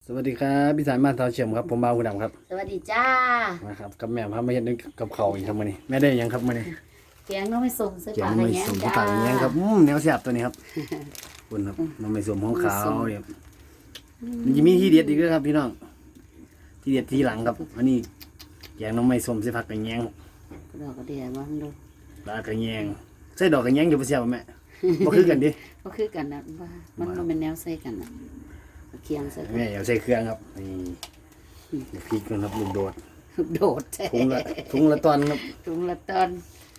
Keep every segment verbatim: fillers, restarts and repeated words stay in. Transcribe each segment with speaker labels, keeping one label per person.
Speaker 1: สวัสดีครับพี่สายมาทาวเฉียมครับผมบ่าวผู้ดำครับ
Speaker 2: สวัสดีจ้า
Speaker 1: มาครับกับแม่ครับมาเห็นกับเขาวอีกครับมื้อนี้แม่ได้หยังครับมื้อนี้
Speaker 2: แกงน้องไม่สมเสื้อ
Speaker 1: เกี๊ยว
Speaker 2: ผ้า
Speaker 1: น้ำ
Speaker 2: อะไร
Speaker 1: ไม่
Speaker 2: เงี้ย
Speaker 1: สมที่
Speaker 2: จ้า
Speaker 1: ปากอย่างเงี้ยครับอืมแนวแซ่บตัวนี้ครับคุณครับน้ำไม่สมของขาวเนี่ยมันจะมีที่เด็ดอีกด้วยครับพี่น้องที่เด็ดที่หลังครับอันนี้แกงน้ำไม่สมใส่ผักกระแยง
Speaker 2: ดอกกระเดียบ้างดู
Speaker 1: ปลากระแยงใส่ดอกกระแยงอยู่บ่เสียบ่แม่บ่คือกันดิ
Speaker 2: ก็คือกันนะว่ามันมันเป็นแนวใส่กันนะเคียงใส่กัน
Speaker 1: แม่อย่าใส่เครื่องครับนี่เดี๋ยวพริกกันครับลูกโดด
Speaker 2: โดด
Speaker 1: ถุงละถุงละตอนครับ
Speaker 2: ถุงละตอน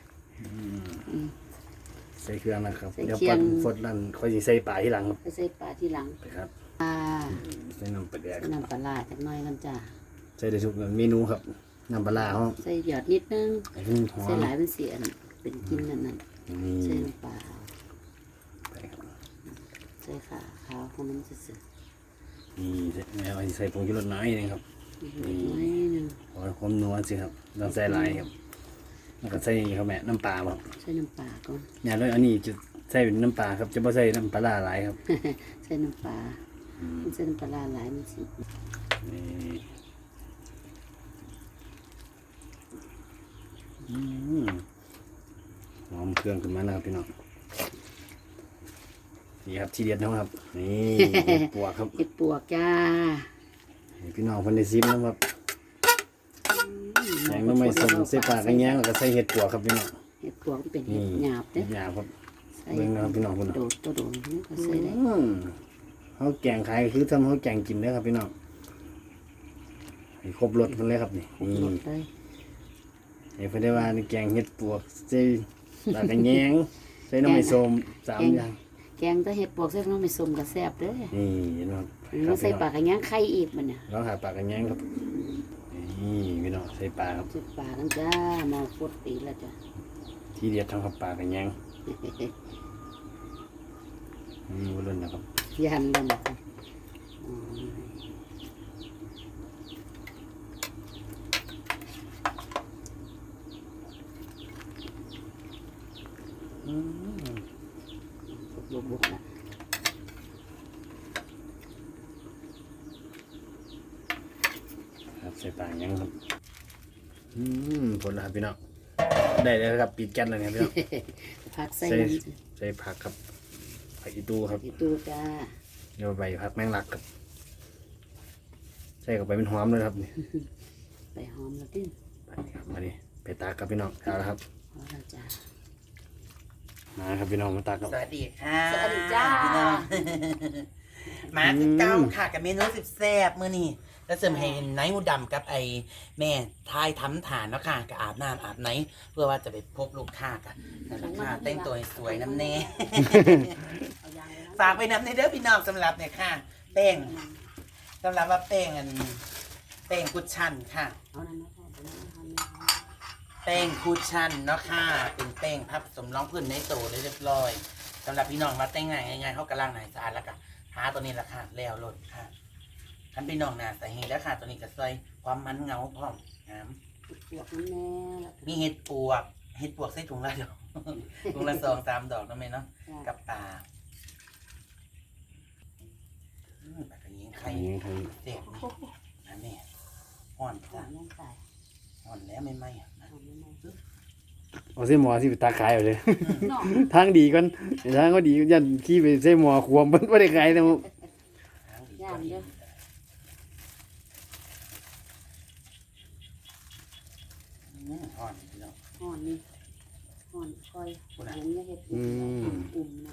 Speaker 1: ใส่เครื่องนะครับ
Speaker 2: ใส่
Speaker 1: เดี๋ยว
Speaker 2: เคีย
Speaker 1: ปั
Speaker 2: ง
Speaker 1: นฟดนั่นค่อยสิใส่ปลาที่หลังครับ
Speaker 2: ไปใส่ปลาที่หลัง
Speaker 1: ไปครับ
Speaker 2: อ่า
Speaker 1: ใส่น้ำปลาแดก
Speaker 2: ใส่น้ำปลาร้าจักหน่อยกันจ้า
Speaker 1: ใส่ได้ทุกเมนูครับน้ำปลาร้าเขา
Speaker 2: ใส่หยอดนิดนึง
Speaker 1: ไอ้ที่หอ
Speaker 2: ใส่
Speaker 1: ม
Speaker 2: หลายเป็นเสียนเป็นกินนั่นนั่น
Speaker 1: นี่
Speaker 2: ใส่น้ำปลา
Speaker 1: ไปครับ
Speaker 2: ใส่ขาขาวของมันจะสึก
Speaker 1: นี่ใส่แม่เอาใส่ผงชูรสน้อยนึงครับ
Speaker 2: นิดนึง
Speaker 1: ขอความนัวสิครับเราใส่หลายครับแล้วก็ใส่ครับแม่น้ำปลาครับ
Speaker 2: ใส่น้ำปลาก่อน
Speaker 1: อย่าเลยอันนี้จะใส่เป็นน้ำปลาครับจะไม่ใส่น้ำปลาร้าหลายครับ
Speaker 2: ใส่น้ำปลามันใส่น้ำปลาร้าหลายมันสิ
Speaker 1: นี่อืมหอมเครื่องขึ้นมาแล้วครับพี่น้องนี่ครับที่เด็ดนะครับนี่เห็ดปวกครับ
Speaker 2: เห็ดปวกจ้า
Speaker 1: ให้พี่น้องเพิ่นได้ซิมนะครับแกงน้ำไม่สมใส่ปลากระแยงแล้วก็ใส่เห็ดปวกครับพี่น้อง
Speaker 2: เห็ดปวกมันเป็น
Speaker 1: นี่
Speaker 2: เห็ดหยาบเด้
Speaker 1: หยาบครับ
Speaker 2: ใส่
Speaker 1: เบิ่งนะครับพี่น้องพุ่น
Speaker 2: โดดตัวโดดนี่ก็ใส่ได้
Speaker 1: อืมเขาแกงขายคือทำเขาแกงกินเด้อครับพี่น้องให้ครบรสเพิ่นเลยครับนี่
Speaker 2: หม
Speaker 1: นี่
Speaker 2: ดเลย
Speaker 1: ให้เพิ่นได้ว่านี่แกงเห็ดปวกใส่ปลากระแยงใส่น้ำไม่สมสามอย่าง
Speaker 2: แกงแต่เห็ดปวกใส่น้องไม่สมก็แซ่บเด้อ
Speaker 1: นี่เห็นไหมครับ
Speaker 2: มันใส่ปลากระย่างไข่อีกมันเนี่ย
Speaker 1: เราหาปลากระแยงครับนี่พี่น้องใส่ปลาครับ
Speaker 2: ใส่ปลากันจ้ามาฟดปีแล้วจ้ะ
Speaker 1: ที่เด็ดทำครับปลากระแยงนี่วุ้นนะครับ
Speaker 2: ยันแล้วนะครับอ๋อบุกๆนะ
Speaker 1: ครับใส่ปลากระแยงครับอืมผลแล้วครับพี่น้องได้แล้วครับปิดแก๊สเลยครับพี่น้อง
Speaker 2: ผักใส่
Speaker 1: ใส่
Speaker 2: น้ำสิ
Speaker 1: ใส่ผักครับผักอีตูครับ
Speaker 2: ที่ตู้จ้า
Speaker 1: เดี๋ยวใบผักแมงลักครับใส่เข้าไปเป็นหอมเลยครับนี่
Speaker 2: ไปหอมแล้วดิ้น
Speaker 1: ไปครับมาดิไปตากกับพี่น้องเอาละครับ
Speaker 2: พอแล้วจ้า
Speaker 1: มาครับพี่น้องมาตากครับ
Speaker 3: สวัสดีค่ะ
Speaker 2: สวัสดีจ้า
Speaker 3: พี่น้อง มาคือเก้าค่ะกับเมนูสิบแซ่บมื้อนี้แล้วเสริมให้ไนท์มูดำกับไอ้แม่ทายทำฐานเนาะค่ะกับอาบน้ำอาบไนท์เพื่อว่าจะไปพบลูกค้ากันนั่นแหละค่ะแต่งตัวให้สวยน้ำเน่
Speaker 2: เอายางเลยนะ
Speaker 3: ฝากไปน้ำในเด้อพี่น้องสำหรับเนี่ยค่ะแป้งสำหรับว่าแป้งอันแป้งกุชชั่นค่ะ
Speaker 2: เอานั่นมาทอดเอานั่นมาทอดนะ
Speaker 3: แป้งคูชั่นเนาะค่ะเป็นแป้งพับสมรองพื้นในโตได้เรียบร้อยสำหรับพี่น้องมาแต่งง่ายง่ายๆเขากำลังหายสะอาดแล้วก็หาตัวนี้ราคาแล้วลดค่ะท่านพี่น้องนะใส่เห็ดแล้วค่ะตัวนี้ก็ใส่ความมันเงาพร้อมน้
Speaker 2: ปวกมันแน่แล้ว
Speaker 3: ำมีเห็ดปวกเห็ดปวกใส่ถุงละดอก ถุงละสองสามดอกนั่นเองเนาะกับปลาอืมแบบนี้ไข่
Speaker 1: นี่ครับ
Speaker 3: เสียบอันนี้ห่อน
Speaker 2: จ้า
Speaker 3: จ้ะ
Speaker 2: ยังใส่
Speaker 3: ห่อนแล้วไม่ไหมอ่ะนะ
Speaker 2: เอาไม่ไม่
Speaker 1: เอาเส้นหมอที่ไปตากขายเอาเลย
Speaker 2: เนาะ
Speaker 1: ทางดีก่อนทางก็ดียันขี้ไปเส้นหมอขวมมันไม่ได้ขายนะครับ
Speaker 3: ทางดี
Speaker 2: ย่างเด้อ
Speaker 3: อืมห่อนพี่น้อง
Speaker 2: ห่อนนี่ห่อนคอย
Speaker 3: คุณอะ
Speaker 2: เห็นไม่เห็ดอุ่มนะ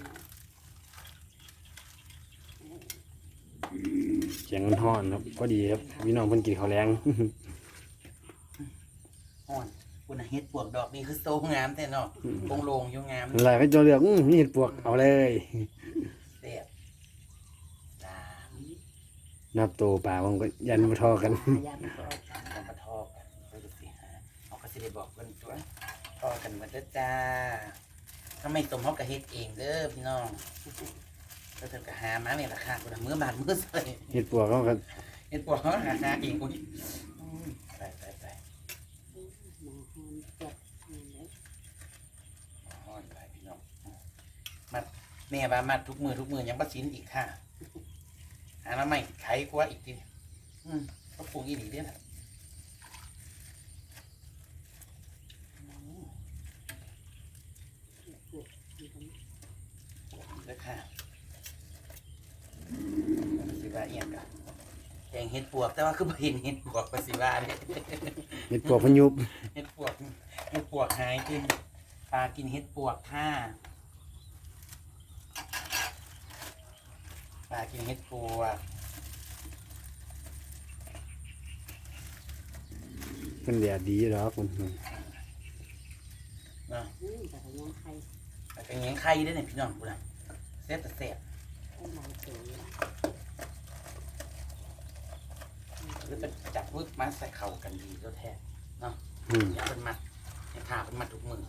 Speaker 1: เสียงมันฮ้อนครับก็ดีครับพี่น้องเพิ่นกินข้าวแรง
Speaker 3: ห่อนคุณเฮ็ดปวกดอกนี่คือโซงามแต่เนาะโปงโลงอยู่งาม
Speaker 1: หลายไปจอเลือกอื้อมีเห็ดปวกเอาเลย
Speaker 3: เสียบสาม
Speaker 1: นับตัวป่าผมก็ยันมาทอกัน
Speaker 2: ย่างก็
Speaker 3: ทำมาทอกันไปดูสิฮะเอากระสิได้บอกกันตัวทอกันมาเด้อจ้าถ้าไม่ต้มเขาก็เฮ็ดเองเด้อพี่น้องก็เธอก็หามาเนี่ยราคาคุณมือบาทมือใส่
Speaker 1: เห็ดปวกเขาก็
Speaker 3: เฮ็ดปวกเขาหาหาเองอุ้ยอืมไปไปไป
Speaker 2: หมอหอนจัดนี่เลย
Speaker 3: ห่อนไปพี่น้องมัดแม่ว่ามัดทุกมือทุกมือยังประสินอีกค่ะหาน้ำใหม่ไขกว่าอีกทีอืมก็ปรุงอีหลีเด้อนะเด้อค่ะสิว่าเอียงกันแกงเห็ดปวกแต่ว่าคือบ่เห็นเห็ดปวกไปสิว่าเนี่ย
Speaker 1: เห็ดปวกพยุบ
Speaker 3: เห็ดปวกเห็ดปวกหายกินปลากินเห็ดปวกค่ะปลากินเห็ดปวก
Speaker 1: เป็นแดดดีแล้วคุณ
Speaker 3: เนาะ
Speaker 2: อืมแต่ก็ยังใคร
Speaker 3: แต่เป็นยังไข่ได้เนี่ยพี่น้องกูนะเสียบแต่เสียบ
Speaker 2: ให้หลายเสือ
Speaker 3: หรือจะจับวึกมาใส่เข่ากันดีก็แท้เนาะ
Speaker 1: อืม
Speaker 3: อย่าเป็นมัดให้ขาเป็นมัดทุกมือ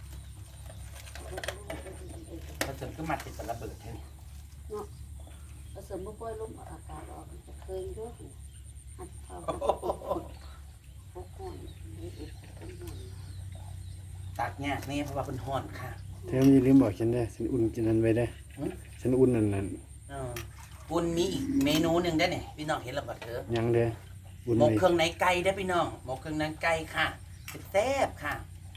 Speaker 3: ถ้าจนก็มัดติดสระเบิดแค่นี้
Speaker 2: ผสมบ่ปล่อยลมอากาศออกจะเคยด้วยอัดเอาพกก่อนให้อุปกรณ์ก่อน
Speaker 3: ตากยากนี่เพราะว่าเป็นห่อนค่ะ
Speaker 1: เธอไม่ลืมบอกฉันได้ฉันอุ่นกินนั้นไว้ได้
Speaker 3: หืม
Speaker 1: ฉันอุ่นนั่นนั่น
Speaker 3: เออบุญมีอีกเมนูหนึ่งได้เนี่ยพี่น้องเห็นแล้วบัดเถอะ
Speaker 1: ยังเด้ออุ่น
Speaker 3: หมก
Speaker 1: ไว้
Speaker 3: เครื่องในไก่ได้พี่น้องหมกเครื่องในไก่ค่ะแซ่บๆค่ะ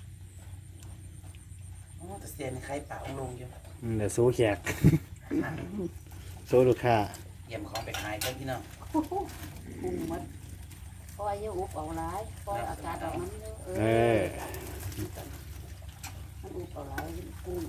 Speaker 3: โอ้แต่เสียในไข่ป่าองลงอยู่
Speaker 1: อืมเดี๋ยวโซ่แขก
Speaker 3: ค่ะ
Speaker 1: โซ่ลูกค้า
Speaker 3: เยี่ยมของไปขายเพื่อนพี่น้อง
Speaker 2: ปรุงหมดปล่อยอย่าอุบเอาหลายปล่อยอากาศออกมันเยอะเอ
Speaker 1: เอ
Speaker 2: อ
Speaker 1: อ
Speaker 2: มันอุบเอาหลายปรุง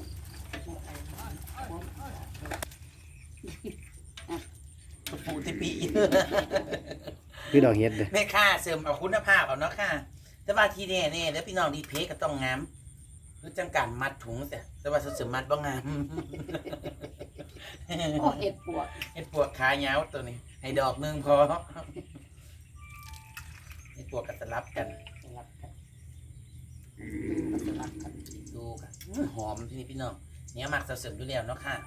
Speaker 3: ปูติปี
Speaker 1: คือดอกเห็ดเด้อ
Speaker 3: แม่ค่าเสริมเอาคุณภาพเอาเนาะค่ะ แต่ว่าที่แน่เนี่ยแล้วพี่น้องดีเพก็ต้องงามคือจังการมัดถุงแต่แต่ว่าเสริมมัดบ่งาม
Speaker 2: โอ้เห็ดปวก
Speaker 3: เห็ดปวกขายาวตัวนี้ ให้ดอกหนึงพอเห็ดปวกกับสลับกัน
Speaker 2: สลับกันก็สลับกัน
Speaker 3: ดูกันอื้อหอมที่นี่พี่น้องเนี่ยมักเสริมอยู่แล้วเนาะค่ะ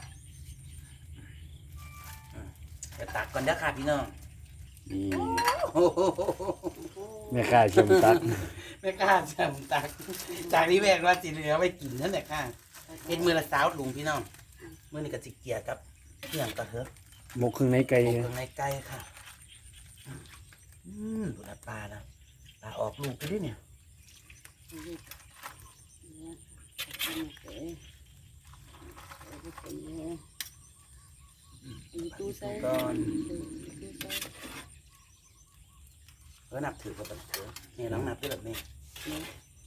Speaker 3: อืมเดี๋ยวตักก่อนเด้อค่ะพี่น้อง
Speaker 1: นี่
Speaker 3: โอ้โห
Speaker 1: แม่ค้าชมตัก
Speaker 3: ไม่กล้าจำตัก จากนี้แม่ว่าสิเหลือไว้กินนั่นแหละค่ะเป็นมือละสาวลุงพี่น้องมือนี่กับจิเกียกับเที่ยงกระเทอะ
Speaker 1: หมกเครื่องในไก่
Speaker 3: ตรงเครื่องในไก่ค่ะ อืมดูละปลานะปลาออกลูกไปด้วยเนี่ย
Speaker 2: เนี่ยเก๋เก๋ตีตู้ใส่
Speaker 3: ก่อน
Speaker 2: ตู้ใส่
Speaker 3: เออนับถือกับแบบเถอะนี่น้องนับด้วยแบบนี้
Speaker 2: เนี่ย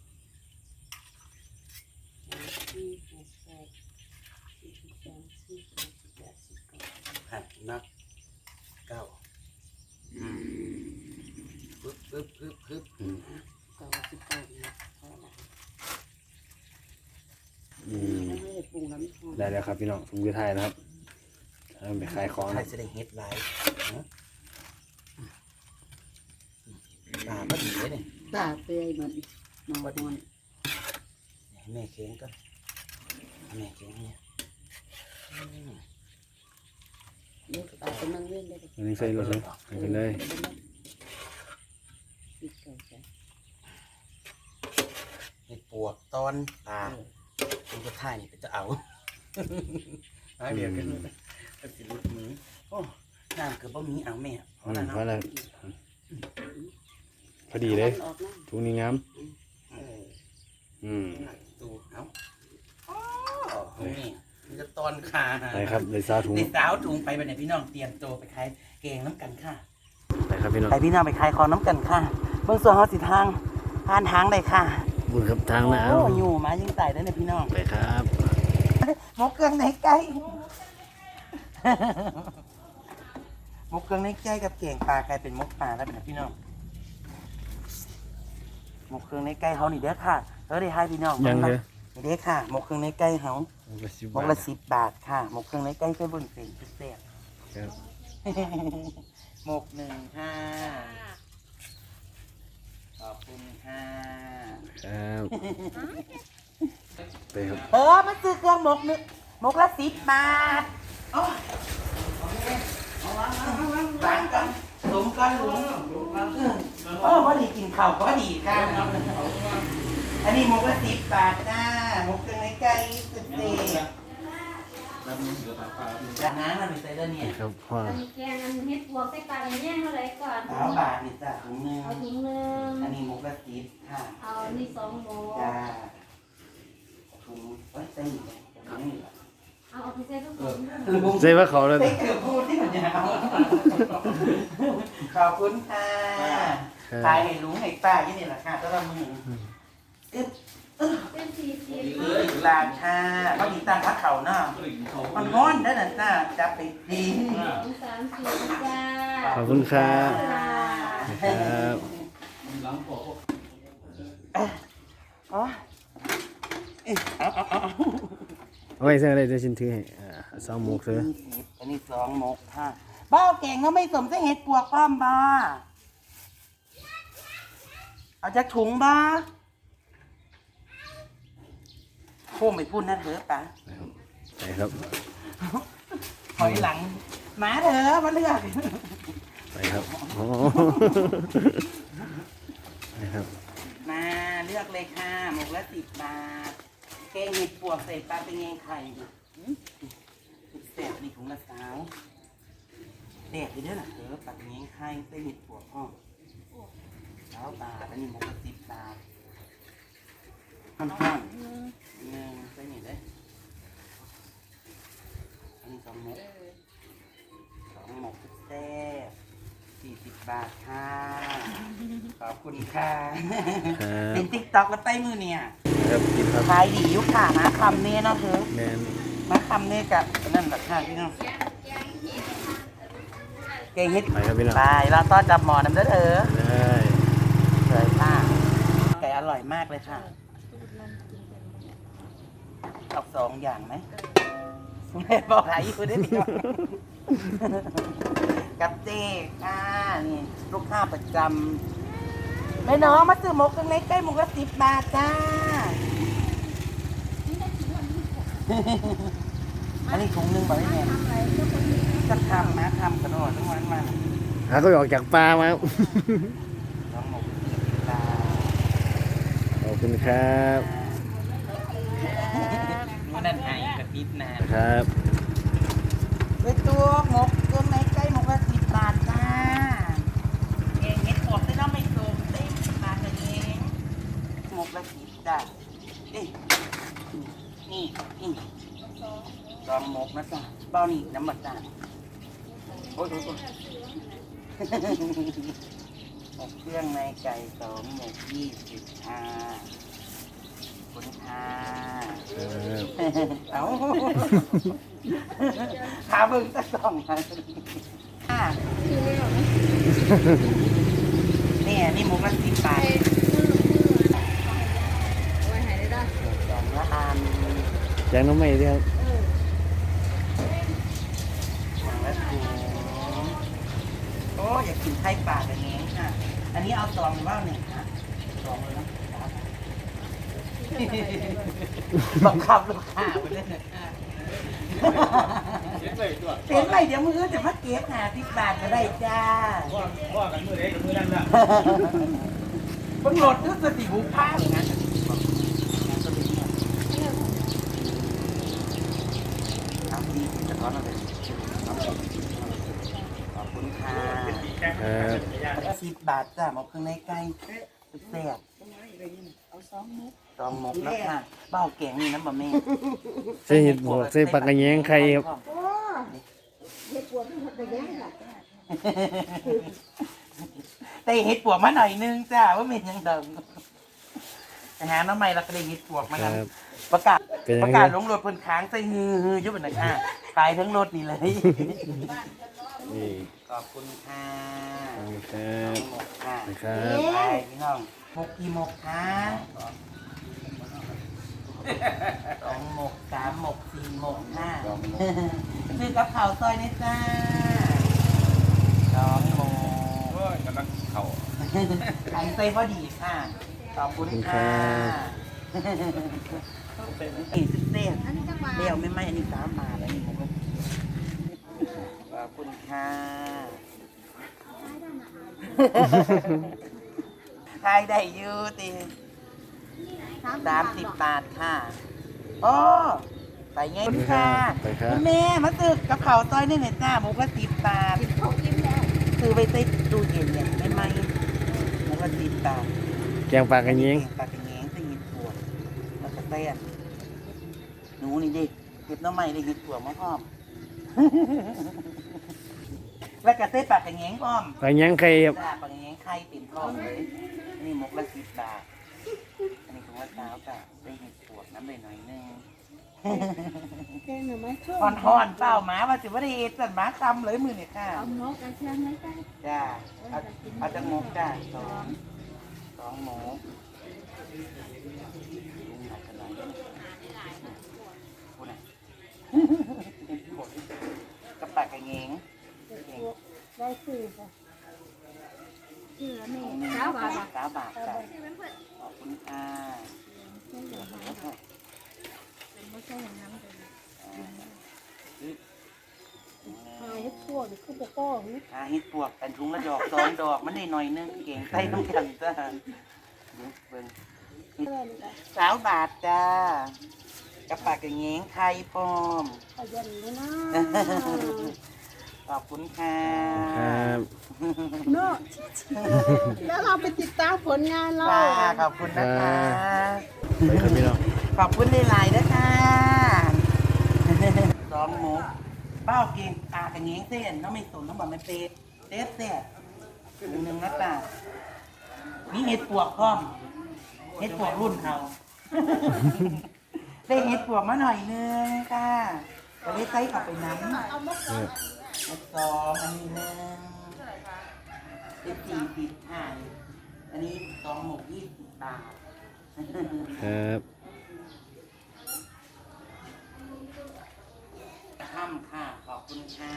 Speaker 2: สี่หกแปดสี่สิบสองสี่สิบสี่สิบแปดสิบเก้า
Speaker 3: ค่ะนับเก้าอืมปึ๊บปึ๊บปึ๊บปึ๊บ
Speaker 1: อืม
Speaker 2: เก้าสิบเก้าเนี่ยเท่าไหร่
Speaker 1: อืม
Speaker 2: ไม่ได้ปรุงน้ำหอม
Speaker 1: ได้แล้วครับพี่น้องผมจะถ่ายนะครับเอาไปขายของ
Speaker 3: ใคร
Speaker 1: นะ
Speaker 3: จะได้เฮ็ดไลฟ์นะปลาก็ดีเลยเนี่ย
Speaker 2: ตาเปื่อยเหมือนนอนนอน
Speaker 3: แม่เค้งก็แม่เค้งเนี่ยอืม
Speaker 2: เด็กตาเป็นนั่งเล่นได้เลย
Speaker 1: อันนี้ใส่รถเลยไปกันเลย
Speaker 2: ปิดเก่าใจ
Speaker 3: เห็ดปวกตอนปลาคุณก็ท่ายนี่ก็จะเอาเอาเดี๋ยวกันก็สิลุดมือโอ้น้ำเกือบบ่มีเอาแม่เพ
Speaker 1: อื
Speaker 3: ราะ
Speaker 1: ม
Speaker 3: นั่น
Speaker 1: เพราะ
Speaker 3: เนาะ
Speaker 1: อะไรพอดีเลย
Speaker 2: ออกนะ
Speaker 1: ทุกนี้งาม
Speaker 3: เออ
Speaker 1: อืม
Speaker 3: ดูเอาอ๋อนี่มันจะตอนขา
Speaker 1: ไปครับเลยซาถุง
Speaker 3: ในสาวถุงไปไปไหนพี่น้องเตรียมตัวไปขายเกงน้ำกันค่ะ
Speaker 1: ไปครับพี่น้อง
Speaker 3: ไปพี่น้องไปขายของน้ำกันค่ะเบื้องส่วนเขาสิทางผ่านทางเลยค่ะ
Speaker 1: บุญครับทางน้
Speaker 3: โอ้อยู่มายิงใส่ได้เลยพี่น้อง
Speaker 1: ำไปครับ
Speaker 3: หมกเครื่องในไก่หมกเครื่องในไก่กับเก่งปลากลายเป็นหมกปลาแล้วเป็นพี่น้องหมกเครื่องในไก่เขานี่เด้อค่ะเออได้ให้พี่น้อง
Speaker 1: ยังเลย
Speaker 3: นี่เด้อค่ะหมกเครื่องในไก่เขา
Speaker 1: หมกละสิบ
Speaker 3: หมก
Speaker 1: บา
Speaker 3: ละ
Speaker 1: ท
Speaker 3: สิบบาทค่ะหมกเครื่องในไก่เส้นบนเส้นพิเศษ
Speaker 1: ครับ
Speaker 3: หมกหนึ่งค่ะขอบคุณค่ะ
Speaker 1: ครับไปครับ
Speaker 3: เออมาซื้อเครื่องหมกหนึ่งหมกละสิบบาทโอ้วางกันหลุมกันหลุมโอ้พอดีกินข้าวพอดีค่ะอันนี้หมกละสิบบาทจ้าหมกเครื่องในไก่สุดเด็ดจากนั้นมันเป็นไซเดอร์เนี่ย
Speaker 1: ครับพ่อ
Speaker 2: อันนี้แกงอันเฮ็ดบวกใส่ปลาอันนี้เท่าไหร่ก่อน
Speaker 3: สามบาทนี่จ้ะถุงหนึง
Speaker 2: เอาถุงหนึง
Speaker 3: อันนี้หมูกระติบค่ะ
Speaker 2: เอานี่สองหมู
Speaker 3: จ้าถุงเอ้ยเส้นถุงนี้
Speaker 2: เอาเอาไปใส่ทุกถุง
Speaker 3: ลุง
Speaker 1: ใช่ว่าเขาเลย
Speaker 3: เส้นเกือบพูดที่มันยาวขอบคุณค่ะตายให้ลุงให้ป้ายี่นี่แหละค่ะก็ละมือเอ๊ะ
Speaker 2: เป็นสี่สิบ
Speaker 3: เหลืออีกลานค่ะเขาดีตามพักเขาเนาะมันง้อนได้น่ะจ้าจะไปดี
Speaker 2: สองสามสี่จ้า
Speaker 1: ขอบคุณครับ
Speaker 2: ค่ะ
Speaker 1: ครับ
Speaker 3: อ๋อเอ๊ะเอาเอาเอาเอา
Speaker 1: เอาไว้เสื้ออะไรเดี๋ยวฉันถือให้อ่าสองหมกเสื้อ
Speaker 3: อันนี้สองหมกค่ะเบ้าแกงก็ไม่สมใส่เห็ดปวกป้อมบ้าเอาจากถุงบ้าโค้งไปพูดนะเถอะปะ
Speaker 1: ไปครับ
Speaker 3: ถอยหลังมาเถอะมาเลือก
Speaker 1: ไปครับโอ้ไปครับ
Speaker 3: มาเลือกเลยค่ะหมกละสิบบาทแกงเห็ดปวกใส่ปลาเป็นไงไข่ดิแสบนี่ถุงละสาวแสบไปเด้อล่ะเถอะปลาเป็นไงไข่ใส่เห็ดปวกห้องสาวบาทอันนี้หมกละสิบบาทห้อนห้อนหนึ่งใส่นี่ได้อันนี้สองหมกสองหมกแซ่บสี่สิบบาทค่ะขอบคุณค่ะ
Speaker 1: ครับ
Speaker 3: เป็นติ๊กต็อกแล้วใต้มือเนี่ย
Speaker 1: ครับกินครับ
Speaker 3: ขายดีอยุคค่ะมาคำเนี่ยเนาะเธอ
Speaker 1: แมน
Speaker 3: มาคำเนี่ยกับนั่นแหละค่ะพี่น้องเก่งเฮ็ด
Speaker 1: ไปครับพี่น้อง
Speaker 3: ไปเราต้อนจับหมอน้ำเด้อเธอ
Speaker 1: ได้
Speaker 3: เลยค่ะไก่อร่อยมากเลยค่ะเอาสองอย่างไหมแม่บอกหายอยู่ได้ดีกับเจ๊ค่ะนี่ลูกค้าประจำแม่น้องมาซื้อหมกกันเล็กใกล้หมกละสิบบาทจ้า อันนี้ถุงหนึงบอกได้ไงจะทำนะทำกระโดดทั้งวันมา
Speaker 1: หาก็ออกจากปลามาครับ
Speaker 3: น้องหมกตา
Speaker 1: ขอบคุณครับ
Speaker 3: นั่นไงกระติบนะครับ ไปตัวหมกตัวไหนใกล้หมกละสิบบาทจ้าเองเห็ดปวดได้ต้องไม่โกงเต็มบาทเองหมกละสิบจ้าเอ้ยนี่นี่ลองหมกนะจ้าเบ้านี่น้ำมันจ้าโอ้ยโอ้ยโอ้ย หมกเครื่องในไก่สองหมกยี่สิบค่ะคุณค่ะ
Speaker 1: ครับ
Speaker 3: เอาหาเบิ่งสักสองค่ะนี่นี่หมกละสิบบาท
Speaker 2: ไว้ให้ได้
Speaker 3: สองละอัน
Speaker 1: แจงน้ำใหม่ด้วยครับ
Speaker 3: สองละถุงโอ้อยากกินไข่ปลาแบบนี้ค่ะ อันนี้เอาซองหรือว่าหนึ่งคะซองเลยนะบังคับลูกค้าไปเลยนะคะเห็นไหมเดี๋ยวมือจะมาเก็บหาสิบบาทก็ได้จ้า
Speaker 4: ว่าว่ากันมือเด็กกับมือนั่นละ
Speaker 3: เพิ่งโหลดนึกสติบุกผ้าเลยนะเอาดีจะท้อนเอาไปขอบคุณค่ะ
Speaker 1: ครับ
Speaker 3: สิบบาทจ้าหมกเครื่องในไก่แซ่บ
Speaker 2: เอาสองหมู
Speaker 3: ตองหมกแล้วค่ะเบ้าแกงนี่น้ำบะแม่
Speaker 1: ใส่เห็ดบวกใส่ปลากระแยงไข่ครับ
Speaker 2: โอ้เฮ็ดปวดมันจะแย่งล่ะ
Speaker 3: แต่เห็ดปวกมาหน่อยนึงจ้าว่าเป็นยังเดิมนะฮะน้ำใหม่เราก็ได้เห็ดปวกมา
Speaker 1: ค
Speaker 3: แล้ว
Speaker 1: รับ
Speaker 3: ประกาศ
Speaker 1: เป็นยังไง
Speaker 3: ประกาศลงรถเพิ่นค้างใส่ฮือฮืออยุบเป็นนะคะขายทั้งรถนี่เลย
Speaker 1: นี่
Speaker 3: ขอบคุณค่ะ
Speaker 1: ขอบคุณครั
Speaker 3: น้อบ งหมกค่ะ
Speaker 1: นะครับ
Speaker 3: ไปพี่น้องหมกกี่หมกคะสองหมกสามหมกสี่หมกห้าซื้อกับข้าวซอยนี่จ้าสองหมก
Speaker 4: กำลังเข่า
Speaker 3: ไข่ใส่พอดีค่ะ ขอบคุณค่ะอีกสิบเส้น
Speaker 2: อันนี้จังหวะ
Speaker 3: เดี่ยวไม่ไหมอันนี้สามมาแล้วนี่ผมก็ขอบคุณค่ะขายได้อยูตีสามสิบบาทค่ะโอ้ไปไงคุณค่ะ
Speaker 1: ไปครับ
Speaker 3: คุณแม่มาซื้อกับข้าวซอยนี่หน่อยจ้าหมูกระสิบบาท
Speaker 2: กินข้าวกินแล้ว
Speaker 3: ซื้อไปใส่ตู้เย็นเนี่ยไม่ไหมหมูกระสิบบาท
Speaker 1: แกงปลากระเยง
Speaker 3: ปลากระเยงใส่เห็ดปวกแล้วก็เต้นหนูนี่ดิเห็ดน้ำใหม่ได้เห็ดปวกมาพร้อม แล้วก็เต้ปลากระเยงพร้อม
Speaker 1: ปลากระเยงไข่ครับ
Speaker 3: จ้าปลากระเยงไข่ติ่มพร้อมเลยนี่หมกละสิบบาทอันนี้ถุงละเช้าจ้ะได้เห็ดปวกน้ำเลยหน่อยนึง
Speaker 2: แกงหน่อไม้ช่วย
Speaker 3: อ่อนๆเปล่าหมาว่าสิว่าได้เห็ดสันหมาคำเลยมือเนี่ยค่ะ
Speaker 2: เอาหมกกระเทียมไหมจ้า
Speaker 3: จ้าเอาเอาจากหมกจ้าสองสองหมูลุงหนักกันหน่อยพูดหน่อยกับปากกระเงง
Speaker 2: ได้ซื้อจ้ะซื้อแล้วนี่สาวบาทอ่ะ
Speaker 3: สามบาทจ้าขอบคุณค่ะ
Speaker 2: ไม่ใช่อย่างนั้นเลยหายพวกนี่คือปกป้องนี่
Speaker 3: อาเฮ็ดปวกเป็นถุงละดอกสองดอกมันได้หน่อยนึงเก่งใส่น้ำกันจ้าเดี๋ยวเบิ่ง
Speaker 2: เพื่อนจ้ะ
Speaker 3: สาวบาทจ้ากับปากกระเงงไข่ปลอม
Speaker 2: ขยันเลยนะ
Speaker 3: ขอบคุณค่ะ
Speaker 1: ครับ
Speaker 2: เนาะแล้วเราไปติดตามผลงานเรา
Speaker 3: ค่ะขอบคุณนะคะ
Speaker 1: ไปครับพี่น้อง
Speaker 3: ขอบคุณหลายๆนะคะสองหมูเป้าเก่งปลากระเงงเส้นน้องไม่สนน้องบอกไม่เป็ดเต๊ะเต๊ะหนึ่งหนึ่งนะจ้ามีเห็ดปวกพร้อมเห็ดปวกรุ่นเขาได้เห็ดปวกมาหน่อยนึงค่ะก็เลยใส่เข้าไปน้ำ เห็ดสองอันนี้หนึ่งเห็ดสี่สิบห้าอันนี้สองหมกยี่สิบบาท
Speaker 1: ครับ
Speaker 3: ข้ามค่ะ ขอบคุณค่ะ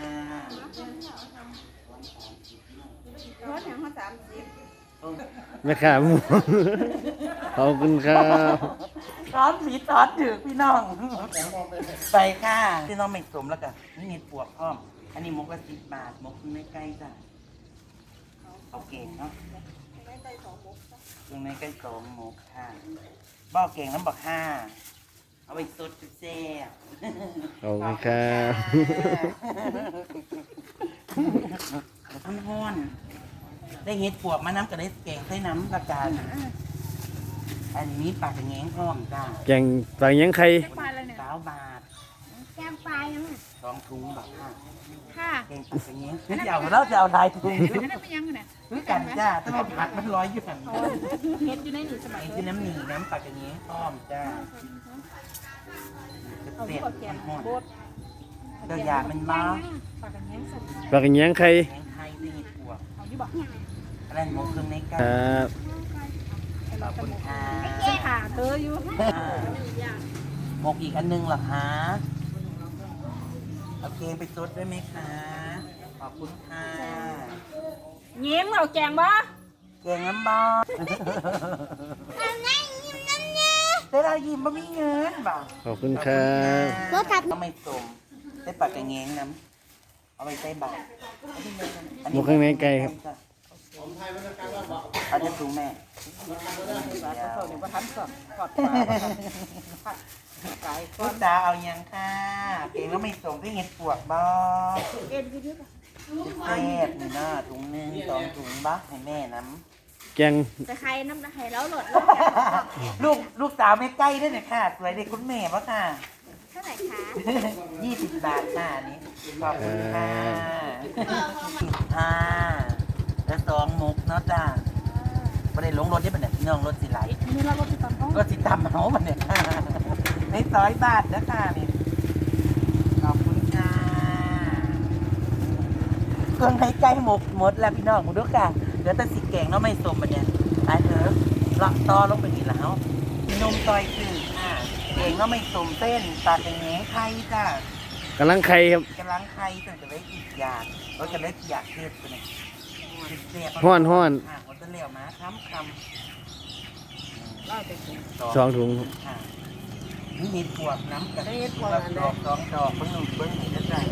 Speaker 2: ร้อยอย่างห้าสามสิบ
Speaker 1: แม่ขาหมูขอบคุณครับ
Speaker 3: ร้อนสีร้อนถือพี่น้อง ไปค่ะ พี่น้องไม่สมแล้วกันนี่เห็ดปวกพร้อม อันนี้หมกละสิบบาทหมกไม่ใกล้จ้ะเอาเก่งเนาะเครื่องในใกล้สองหมกค่ะบ้าเก่งน้ำบักห้าเอาไปสดแซ่บ
Speaker 1: ขอบคุณครับ
Speaker 3: ท่านห้อนได้เห็ดปวกมาน้ำกับได้เก่งใส่น้ำละกันอันนี้ปลากระแงงพร้อมจ้า
Speaker 1: แกงปลากระเยงไข่
Speaker 3: สาวบาท
Speaker 2: แก้มปลายยัง
Speaker 3: สองถุงบักค่ะ
Speaker 2: ค่ะ
Speaker 3: เก่งปลากระแงงคือจะเอาแล้วจะเอาลายถุง
Speaker 2: นั่นเป็นยังไงเนี่ย
Speaker 3: คือกันจ้าถ้าเอาผักมันลอยอยู่ฝั่งนี้
Speaker 2: เฮ็ดอยู่ในนี่สมัย
Speaker 3: ไอ้ที่น้ำหนีน้ำปลากระแงงพร้อมจ้า
Speaker 2: เอา
Speaker 3: เสี
Speaker 2: ที่
Speaker 3: ยบ
Speaker 2: บอกแก
Speaker 3: มันห้อน
Speaker 2: โบด
Speaker 3: เดี๋ยวอยากเป็นบ้า
Speaker 2: ปากกันยังสม
Speaker 1: ปลากระเยงไข่
Speaker 3: แกงไทยได้เห็ดปวก
Speaker 2: เอาที่บอก
Speaker 3: อะไรหมกเครื่องในกั
Speaker 1: คน รับ
Speaker 3: ขอบคุณค่ะ
Speaker 2: แก้ขาเธออยู่
Speaker 3: หมกอีกอันนึงเหรอคะเอาเกงไปซดได้ไหมคะ ขอบคุณค่ะ
Speaker 2: เงี้ยมเอาแกงบ่
Speaker 3: เกงน้ำบอลได้เรายิ้มบ่มีเงินบ่
Speaker 1: ขอบคุณครับ
Speaker 3: รถทับก็ไม่สมได้ปากกระเงงน้ำเอาไปใส่บาตร
Speaker 1: หมูข้างในไก่ครับ
Speaker 3: เอาจะสูงแม่
Speaker 2: เขาเนี่ยว่าทันสดกอดปลาไก่
Speaker 3: ลูกตาเอายังค่ะเกงก็ไม่สมได้เห็ดปวกบ่
Speaker 2: เอ็นคือเยอะ
Speaker 3: แซ่บนี่นะถุงหนึงสองถุงบ้าให้แม่น้
Speaker 1: แกง
Speaker 2: แต่ใครน้ำไข่แล้วหลด
Speaker 3: ำ ลูกลูกสาวไม่ใกล้ด้วยเนี่ยค่ะสวยเด็กคุณแม่ปะค่ะ
Speaker 2: เท่าไหร่คะ
Speaker 3: ยี่สิบบาทค่ะอันนี้ขอบคุณค่ะค่ะแล้วสองมุกเนาะจ้าไม่ได้ลงรถได้ปะเนี่ยพี่น้องรถสิไหล
Speaker 2: นี่เราก็ติดตามเขา
Speaker 3: รถสิตามเขาปะเนี่ยในซอยบาทนะค่ะนี่ขอบคุณค่ะเครื่องให้ใกล้หมกหมดแล้วพี่น้องหมดด้วยค่ะเดี๋ยวแต่สิแกงเนาะไม่สมปะเนี่ยตายเถอะเลาะต่อลงไปนี่แล้วนมซอยสื่อค่ะแกงเนาะไม่สมเส้นปลากระแหงไข่จ้า
Speaker 1: กำลังไข่ครับ
Speaker 3: กำลังไข่ตั้งแต่เล็กอีกอย่างเราจะเล็กอยากเทศไปเนี่ยเสียบ
Speaker 1: ห้อนห้อน
Speaker 3: ค่ะเขาจะเลี้ยวมาค้ำค
Speaker 2: เล่าไปกิน
Speaker 3: ำ
Speaker 1: สองถุงครับ
Speaker 3: ค่ะนี่เห็ดปวกน้ำกับ
Speaker 2: เฮ็ดปวกอันใด
Speaker 3: ดอกสองดอกเบิ้งหนึ่งเบิ้งหนึ่งได้ใจ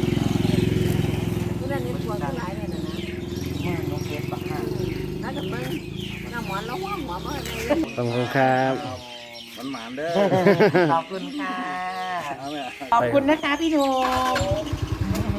Speaker 2: ที่นั่นนี่ปวดหลายเลยนะนะ
Speaker 3: มือน้องเก็บปะค่ะ
Speaker 2: น่าจะมึงน้ำหวานแล้วหัวหอมมาเลย
Speaker 1: ขอบคุณครับ
Speaker 4: มันหมานเด้อ
Speaker 3: ขอบคุณค่ะ
Speaker 1: ค
Speaker 3: ขอบคุณนะคะพี่หนุ่ม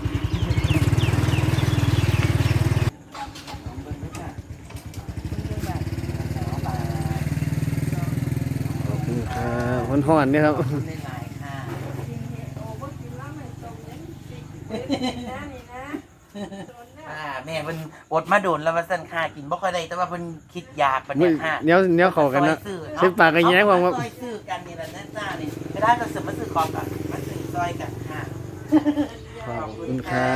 Speaker 1: ขอบคุณครับคนห่อนเนี่ยครับ
Speaker 3: ขอบคุณหลายๆค่ะ
Speaker 2: โอ้บ่กินแล้วไม่ตรงนั้นสิเป็นนะนี่นะโดนนะ
Speaker 3: อ่าแม่เพิ่นอดมาโดนแล้วว่าซั่นค่ะกินบ่ค่อยได้แต่ว่าเพิ่นคิดอยากปานเนี้ยค่ะ
Speaker 1: เนี้ยเนี้ยเข้ากันนะ
Speaker 3: ซอยซื้อ
Speaker 1: ใช้ปากกันแย้งว่าว่า
Speaker 3: ซอยซื้อกันนี่แหละนะจ้านี่ไม่ได้ก็ซื้อมาซื้อของกันมาซื้อซอยกันค่ะ
Speaker 1: ขอบคุณครับ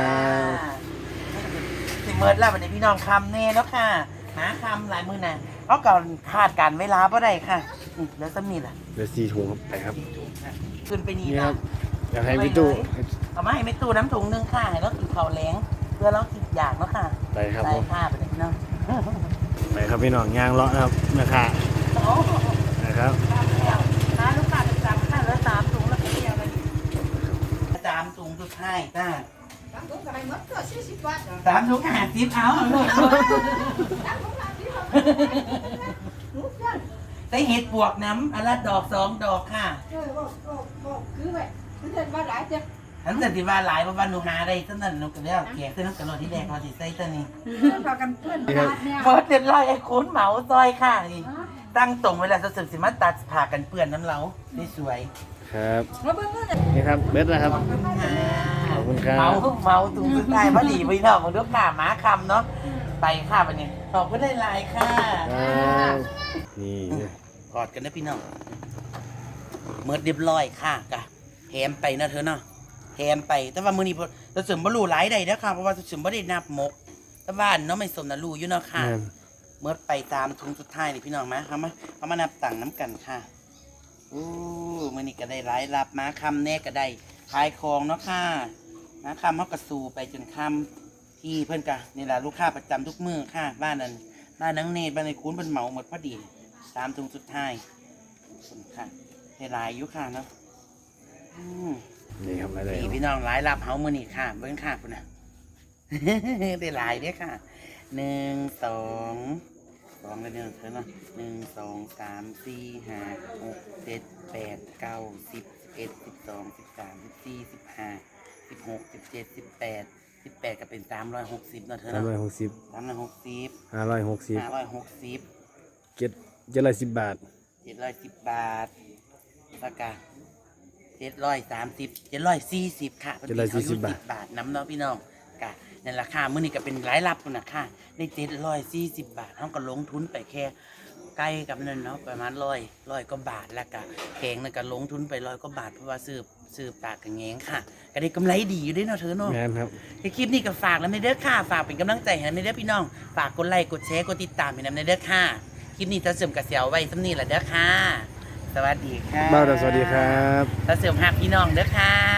Speaker 3: สิเมิดแล้ววันนี้พี่น้องคำแน่เนาะค่ะหาคำหลายมือน่ะเขาก่อนคาดการเวลาบ่ได้ค่ะอืมแล้วซ้ำนี่ล่ะ
Speaker 1: เดี๋ยวสี่ถุงครับไปครับ
Speaker 3: ขึ้นไปนี่
Speaker 1: นี่ค
Speaker 3: นะ
Speaker 1: รับอยากให้พี่ตู้
Speaker 3: เอามาให้แม่ตู้น้ำถุงหนึงค่ะให้เรากินข้าวแล้งเพื่อเรากินอยากเนาะค่ะ
Speaker 1: ไปครับ
Speaker 3: ได้
Speaker 1: ผม
Speaker 3: ค่ะไปเลยพี่น้อง
Speaker 1: ไปครับพี่น้องยางเลาะนะครับนะคะ
Speaker 3: โอ้
Speaker 1: นะครับ
Speaker 3: น้าลูกค้าเป็นสามค่ะแล้วสามถุงแล้วก็เดียวเลยสามถุงสุดท้ายจ้า
Speaker 2: บางคนก็ให้หมดก็สี่สิบบาท
Speaker 3: สามถุงห้าสิบเอาเอาลูก
Speaker 2: บางคนห้าสิบหนูกัน
Speaker 3: ได้เห็ดบวกน้ำอันละดอกสองดอกค่ะ
Speaker 2: เออบอกบอกบอกคือไว้มันเห็นว่าหลายจ้ะ
Speaker 3: ฉันจะที่ว่าหลายเพราะว่าหนูหาได้ตั้งแต่หนูก็เรียกแกะซื้อน้ำกระโดดที่แดงพอสิใส่ตัวนี้
Speaker 2: พากันเพื่อนบาทเนี่ย
Speaker 3: เปิดเรียบร้อยไอ้คุณเหมาซอยค่ะนี่ตั้งตรงเวลาจะสึกสิมาตัดผ่ากันเปื้อนน้ำเล้าได้สวย
Speaker 1: ครับ
Speaker 2: มาเบิ่งเงิน
Speaker 1: นี่ครับเบ็ดนะครับ ขอบคุณครับ
Speaker 3: เมาเมาตุงสุดท้ายพอดีไปเนาะมึงดูข่าม้าคำเนาะไปค่ะวันนี้ขอบคุณหลายๆค่ะ
Speaker 1: ครับนี่
Speaker 3: กอดกันนะพี่น้องเมื่อเรียบร้อยค่ะกะแถมไปนะเธอเนาะแถมไปแต่ว่ามือนี้เราเสริมบรรลุหลายใดนะค่ะเพราะว่าเสริมบ่ได้นับมกแต่ว่าเนาะไม่สมนะรู้อยู่เนาะค่ะ
Speaker 1: แม่น
Speaker 3: เมื่อไปตามถุงสุดท้ายนี่พี่น้องมาเขามาเขามานับตังค์น้ำกันค่ะอู้มือนี้ก็ได้หลายรับมาคำแน่ก็ได้ขายของเนาะค่ะมาคำเขากระสูไปจนคำที่เพื่อนกะนี่แหละลูกค้าประจำทุกมือค่ะ บ้านนั้นบ้านนังเนตบ้านในคุ้นเป็นเหมาหมดพอดีตามถุงสุดท้ายขอบคุณค่ะได้หลายอยุค่ะเนาะอืม
Speaker 1: นี่ครับอะไร
Speaker 3: นี่พี่น้องหลายรับเฮามือนี่ค่ะเบิ้งค่ะคุณนะ ได้หลายเด้อค่ะหนึ่งสองสองกันเด้อเธอเนาะหนึ่งสองสามสี่ห้าหกเจ็ดแปดเก้าสิบสิบเอ็ดสิบสองสิบสามสิบสี่สิบห้าสิบหกสิบเจ็ดสิบแปดสิบแปดก็เป็นสามร้อยหกสิบเนาะเธอ
Speaker 1: สาม
Speaker 3: เนาะ
Speaker 1: ร้อยหกสิบ
Speaker 3: สามร้อยหกสิบ
Speaker 1: ห้าร้อยหกสิบ
Speaker 3: ห้าร้อยหกสิบ
Speaker 1: เจ็ดเจ็ดร้อยสิบบาท
Speaker 3: เจ็ดร้อยสิบบาทแล้วก็เจ็ดร้อยสามสิบเจ็ดร้อยสี่สิบค่ะ
Speaker 1: เจ็ดร้อยสี่สิบบาท
Speaker 3: บาทน้ำเนาะพี่น้องกะในราคามื้อนี้ก็เป็นรายรับคุณนะค่ะได้เจ็ดร้อยสี่สิบบาทเขาก็ลงทุนไปแค่ใกล้กับนั่นเนาะประมาณร้อยร้อยกว่าบาทแล้วก็แพงนั่นก็ลงทุนไปร้อยกว่าบาทเพราะว่าซื้อซื้อปากกับแงงค่ะก็ได้กำไรดีอยู่ด้วยเนาะเธอเนาะ
Speaker 1: แม่นครับ
Speaker 3: คลิปนี้ก็ฝากแล้วไม่เด้อค่ะฝากเป็นกำลังใจให้ไม่เด้อพี่น้องฝากกดไลค์กดแชร์กดติดตามให้นำในเด้อค่ะคลิปนี้จะเสริมกระเสียวไว้สำนีแหละเด้อค่ะ สวัสดีค่ะ
Speaker 1: บ้าวดาวสวัสดีครับ
Speaker 3: จะเสริมหักพี่น้องเด้อค่ะ